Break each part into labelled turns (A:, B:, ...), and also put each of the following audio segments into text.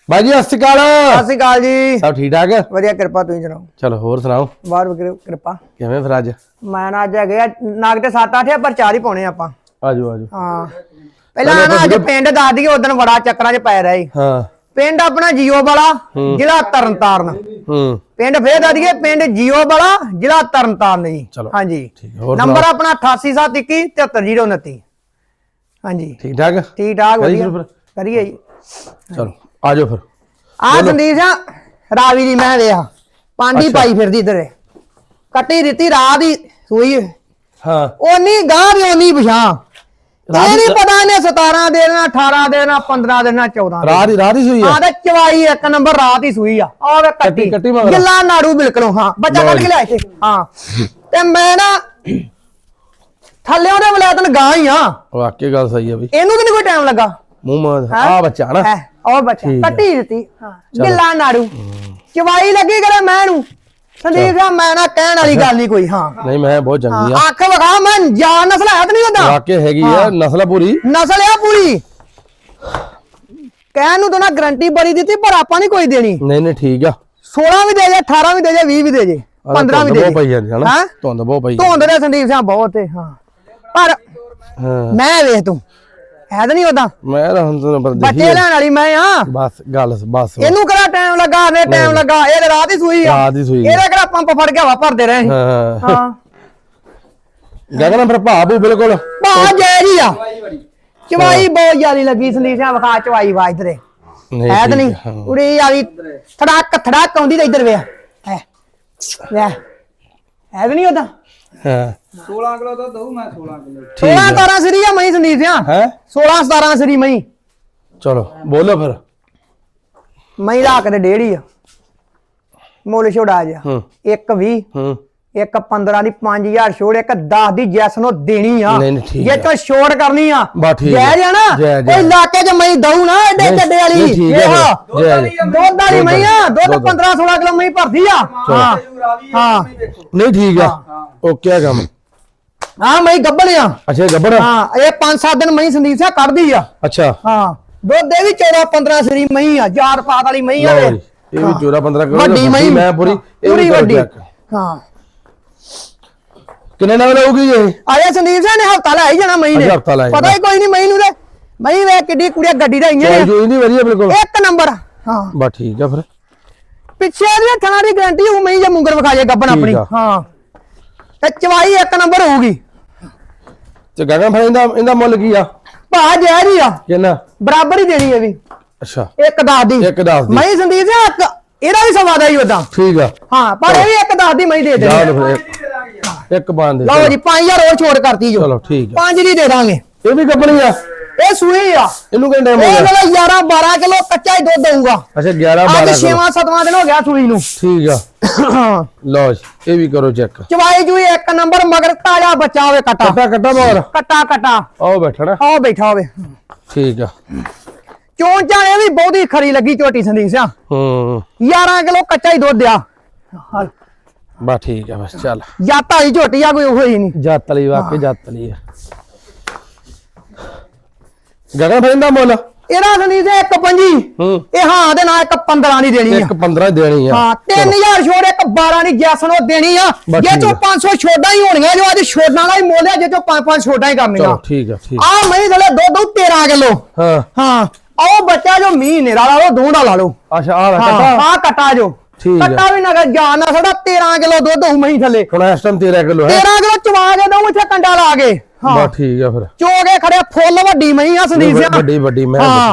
A: भाई जी सत श्री अकाल
B: जी
A: सब ठीक ठाक है
B: वधिया कृपा तुसीं सुणाओ
A: चलो होर सुनाओ
B: बाहर कृपा
A: किवें फिर अज
B: मैं ना अज है नाग ते 7-8 है पर 4 ही पाने आपां
A: आजो आजो
B: हां पहला ना अज पिंड दस दी उदन बड़ा चक्करां च पै रही
A: हां
B: पिंड अपना जियो वाला जिला तरनतारन पिंड फिर दस दिए पिंड जियो वाला जिला तरनतारन जी हां जी नंबर अपना 8871 73029 हां जी
A: ठीक ठाक
B: वधिया करिए जी
A: चलो आजो फिर
B: आ संदीप सिंह रावी दी मैं वेख पांडी पाई फिरदी इधर कट्टी दित्ती रात दी सूई
A: हां
B: ओनी गां दी ओनी पिछां ये नहीं पता ने 17 देना 18 देना 15 देना 14
A: रात ही सूई है
B: हां ते चवाई एक नंबर रात ही सूई आ और कट्टी गिल्ला नाड़ू बिल्कुल हां बच्चा कट के लिया हां ते मैं ना थल्ले ओदे वलायतन गां ही हां
A: वाकई गल सही है भाई
B: एनू ते नहीं कोई टाइम लगा
A: मुंह में आ बच्चा ना
B: और बच्चा कट्टी दी हां गिल्ला नाड़ू चवाई लगी करे मैं नु संदीप सा मैं ना कहण वाली गल नहीं कोई हां
A: नहीं मैं बहुत चंगी हां
B: आंख वखा मैं जान नस्ल है नहीं होता
A: वाकई हैगी है नस्ल पूरी
B: नस्ल है पूरी कहण नु तो ना गारंटी बड़ी दी थी पर आपा नहीं कोई देनी
A: नहीं नहीं ठीक है
B: 16 भी दे जे 18 भी दे जे 20 भी दे जे 15 भी दे
A: जे हां धुंद बहुत पई
B: धुंद दे संदीप सा बहुत है हां पर मैं वेख तू है तो नहीं होता
A: मैं
B: बच्चे लेने वाली मैं हां
A: बस गल बस
B: इनू करा टाइम लगा ने टाइम लगा ए रात ही सूई एरे करा पंप फड़ के हवा भरदे रहे हां
A: गगन फिर भाबू बिल्कुल
B: भा जय जी आ चवाई बहुत ज्यादा लगी संदीप सिंह वखा चवाई वा इधर है तो नहीं उड़ी वाली थड़ाक आउंदी ते इधर वे है तो नहीं होता
A: हां
C: 16 किलो तो दऊ मैं 16 किलो
B: 16-17 सरी है मई संदीप सिंह
A: है
B: 16-17 सरी मई
A: चलो बोलो फिर
B: मई राख दे 1.5 आ मोल छोड़ा जा एक 20 एक 15 दी 5000 छोड़ एक 10 दी जैसनो देनी आ ये तो छोड़ करनी आ जय जा ना कोई इलाके च मई दऊ ना एडे चड्डे वाली दूध वाली मई आ दूध 15-16 किलो मई भरती आ हां हां
A: नहीं ठीक है ओके काम
B: हां मई गब्बड़ आ
A: अच्छा गब्बड़
B: हां ये 5-7 दिन मई संदीप से कर दी आ
A: अच्छा
B: हां दूध दे भी 14-15 सरी मई आ जार पात वाली मई आ
A: ये भी 14-15 किलो
B: बड़ी मई
A: मैं पूरी
B: बड़ी हां
A: कितने नंबर होगी ये
B: आया संदीप सिंह ने हफ्ता लाई जाना मई ने पता ही कोई नहीं मई नु दे मई वे किड्डी कुड़िया गड्डी दा इंजन
A: जो नहीं वधिया बिल्कुल
B: एक नंबर हां
A: बस ठीक है फिर
B: पिछे दी थना दी गारंटी हो मई जे मुंगर विखा जे गब्बन अपनी हां ते चवाई एक नंबर होगी
A: ते गगन फिर इंदा मुੱਲ की आ
B: भा जय जी आ
A: कितना
B: बराबर ही देनी है भी
A: अच्छा
B: एक 10 दी मई संदीप सिंह एदा भी सवा दा ही ओदा
A: ठीक है
B: हां पर ये भी एक 10 दी मई दे दे
A: एक बांध दे
B: लो जी 5000 और छोड़ करती जो
A: चलो ठीक है
B: 5 दी दे दांगे
A: ये भी गब्बनी आ
B: ए सुई आ
A: इनु कितना टाइम हो गया
B: 11-12 किलो कच्चा ही दूध दूंगा
A: अच्छा 11-12
B: आज 6वां-7वां दिन हो गया सुई नु
A: ठीक है लो ये भी करो चेक
B: चवाई जुई एक नंबर मगर ताजा बच्चा होवे कटा
A: कटा मोर
B: कटा
A: आओ बैठा ना
B: आओ बैठा होवे
A: ठीक है
B: चों चाणे भी बहुत ही खरी लगी झोटी संदीप सिंह 11 किलो कच्चा ही दूध दिया
A: बस ठीक है बस चल
B: जाता ही झोटी आ कोई होई नहीं
A: जातली वाकई जातली है गगन भाई दा मुੱਲ
B: एरा संदीप सिंह 1.25 ए हां दे ना 1.15 नहीं देनी
A: 1.15 देनी है
B: हां 3000 छोड़ 1.12 नहीं जैसनो देनी आ ये जो 500 छोड़ा ही होणीਆਂ जो आज छोड़ना वाला ही मोल है जे जो 5-5 छोड़ा ही करनी
A: चलो ठीक है ठीक
B: आ मैं थले दो 13 किलो
A: हां
B: हां आओ बच्चा जो महीने ला लो दूंडा ला लो
A: अच्छा आ
B: कटा हां कटा जो कटा भी ना जान ना थोड़ा 13 किलो दूध हो मही थले
A: ਹੁਣ ਇਸ ਟਾਈਮ 13 ਕਿਲੋ ਹੈ
B: 13 ਕਿਲੋ ਚਵਾ ਕੇ ਦਊ ਇੱਥੇ ਕੰਡਾ ਲਾ ਕੇ
A: ਹਾਂ ਬਸ ਠੀਕ ਹੈ ਫਿਰ
B: ਚੋਗੇ ਖੜੇ ਫੁੱਲ ਵੱਡੀ ਮਈ ਆ ਸੰਦੀਪ ਸਿੰਘ
A: ਵੱਡੀ ਮੈਂ
B: ਹਾਂ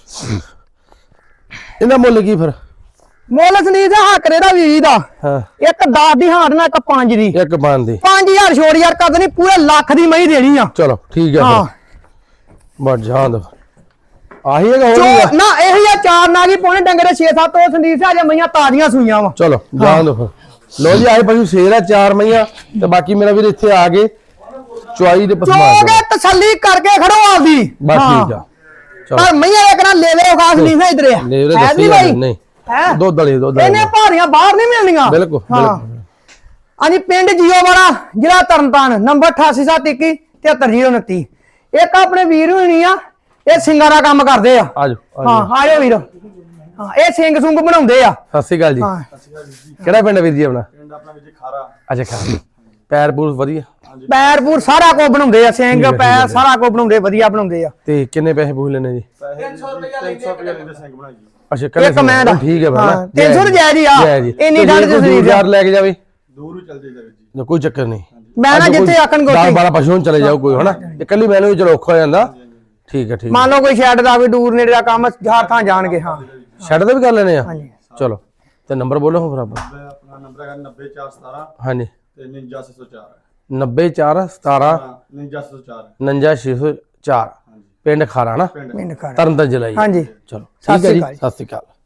A: ਇਹਦਾ ਮੁੱਲ ਕੀ ਫਿਰ
B: ਮੁੱਲ ਸੰਦੀਪ ਸਿੰਘ ਹੱਕਰੇ ਦਾ 20 ਦਾ
A: ਹਾਂ
B: ਇੱਕ 10 ਦੀ ਹਾਰ ਨਾਲ ਇੱਕ 5 ਦੀ
A: ਇੱਕ 5 ਦੀ
B: 5000 ਛੋੜ ਯਾਰ ਕਰ ਦੇਣੀ ਪੂਰੇ ਲੱਖ ਦੀ ਮਈ ਦੇਣੀ ਆ
A: ਚਲੋ ਠੀਕ ਹੈ
B: ਹਾਂ
A: ਬਸ ਜਾਣ ਦੋ ਆਹੀ ਹੈਗਾ ਹੋਰ
B: ਨਾ ਇਹੀ ਆ ਚਾਰ ਨਾਗੀ ਪੌਣੇ ਡੰਗਰੇ 6-7 ਉਹ ਸੰਦੀਪ ਸਿੰਘ ਅਜੇ ਮਈਆਂ ਤਾਜ਼ੀਆਂ ਸੂਈਆਂ ਵਾ
A: ਚਲੋ ਜਾਣ ਦੋ ਫਿਰ ਲੋ ਜੀ ਆਏ ਪਸ਼ੂ ਸ਼ੇਰ ਆ 4 ਮਈਆਂ ਤੇ ਬਾਕੀ ਮੇਰਾ ਵੀਰ ਇੱਥੇ ਆ ਗਏ ਚੁਆਈ ਦੇ ਪਸਮਾ
B: ਚੋਗੇ ਤਸੱਲੀ ਕਰਕੇ ਖੜੋ ਆਪਦੀ
A: ਬਸ ਠੀਕ ਆ
B: ਪਰ ਮਈਆਂ ਇੱਕ ਨਾ ਲੈ ਲੈ ਖਾਸ ਨਹੀਂ ਹੈ ਇਧਰ
A: ਹੈ ਨਹੀਂ ਭਾਈ ਨਹੀਂ ਹੈ ਦੁੱਧ ਵਾਲੀ
B: ਇਹਨੇ ਭਾਰੀਆਂ ਬਾਹਰ ਨਹੀਂ ਮਿਲਣੀਆਂ
A: ਬਿਲਕੁਲ
B: ਹਾਂਜੀ ਪਿੰਡ ਜੀਓ ਵਾਲਾ ਜ਼ਿਲ੍ਹਾ ਤਰਨਤਾਰਨ ਨੰਬਰ 8871 73029 ਇੱਕ ਆਪਣੇ ਵੀਰ ਹੋਣੀ ਆ ਇਹ ਸਿੰਗਾਂ ਦਾ ਕੰਮ ਕਰਦੇ ਆ
A: ਆਜੋ
B: ਹਾਂ ਆਜੋ ਵੀਰ ਹਾਂ ਇਹ ਸਿੰਘ ਸੁੰਗ ਬਣਾਉਂਦੇ ਆ।
A: ਸਤਿ ਸ਼੍ਰੀ ਅਕਾਲ ਜੀ।
B: ਹਾਂ
A: ਕਿਹੜਾ ਪਿੰਡ ਵੀਰ ਜੀ ਆਪਣਾ?
C: ਪਿੰਡ ਆਪਣਾ ਵੀਰ ਜੀ ਖਾਰਾ।
A: ਅੱਛਾ ਖਾਰਾ। ਪੈਰ ਪੂਰ ਵਧੀਆ?
B: ਪੈਰ ਪੂਰ ਸਾਰਾ ਕੁਝ ਬਣਾਉਂਦੇ ਆ, ਸਿੰਘ ਪੈਰ ਸਾਰਾ ਕੁਝ ਬਣਾਉਂਦੇ, ਵਧੀਆ ਬਣਾਉਂਦੇ ਆ।
A: ਤੇ ਕਿੰਨੇ ਪੈਸੇ ਪੂਛ ਲੈਣੇ ਜੀ?
C: 300 ਰੁਪਏ ਲੈਂਦੇ ਸਿੰਘ ਬਣਾਈ ਜੀ।
A: ਅੱਛਾ ਕੱਲੇ
B: ਇੱਕ ਮੈਂ ਦਾ
A: ਠੀਕ ਹੈ ਬਣਾ
B: 300 ਰੁਪਏ ਆ ਇੰਨੀ ਠੰਡ ਚ ਸਰੀਰ
A: ਯਾਰ ਲੈ ਕੇ ਜਾਵੇ
C: ਦੂਰ ਹੀ ਚੱਲ ਜਾਈਦਾ ਵੀਰ ਜੀ।
A: ਕੋਈ ਚੱਕਰ ਨਹੀਂ।
B: ਮੈਂ ਨਾ ਜਿੱਥੇ ਆਖਣ ਗੋਤੀ
A: 10-12 ਪਸ਼ੂ ਚਲੇ ਜਾਓ ਕੋਈ ਹਨਾ, ਇਕੱਲੀ ਮੈਨੂੰ ਵੀ ਚਲੋ ਔਖਾ ਹੋ ਜਾਂਦਾ। ਠੀਕ ਹੈ ਠੀਕ।
B: ਮੰਨ ਲਓ ਕੋਈ ਸ਼ੈੱਡ ਦਾ ਵੀ ਦੂਰ ਨੇੜੇ ਦਾ ਕੰਮ ਹਰ ਥਾਂ ਜਾਣਗੇ। ਹਾਂ
A: ਸ਼ੈੱਡ ਦਾ ਵੀ ਕਰ ਲੈਣੇ ਆ।
B: ਹਾਂਜੀ
A: ਚਲੋ ਤੇ ਨੰਬਰ ਬੋਲੋ ਹੁਣ ਫਿਰ ਆਪਾਂ।
C: ਆਪਣਾ ਨੰਬਰ ਹੈਗਾ 90417
A: ਹਾਂਜੀ
C: ਤੇ 99604
A: 90417
C: 99604
A: 59604 ਪਿੰਡ ਖਾਰਾ ਨਾ
C: ਪਿੰਡ
B: ਮੈਨੂੰ ਕਰ
A: ਤਰਨਤਾਰਨ ਜ਼ਿਲ੍ਹਾ ਜੀ।
B: ਹਾਂਜੀ
A: ਚਲੋ
B: ਸਤਿ
A: ਠੀਕ ਹੈ
B: ਸ਼੍ਰੀ
A: ਜੀ,
B: ਅਕਾਲ।
A: ਸਤਿ ਸ਼੍ਰੀ ਅਕਾਲ।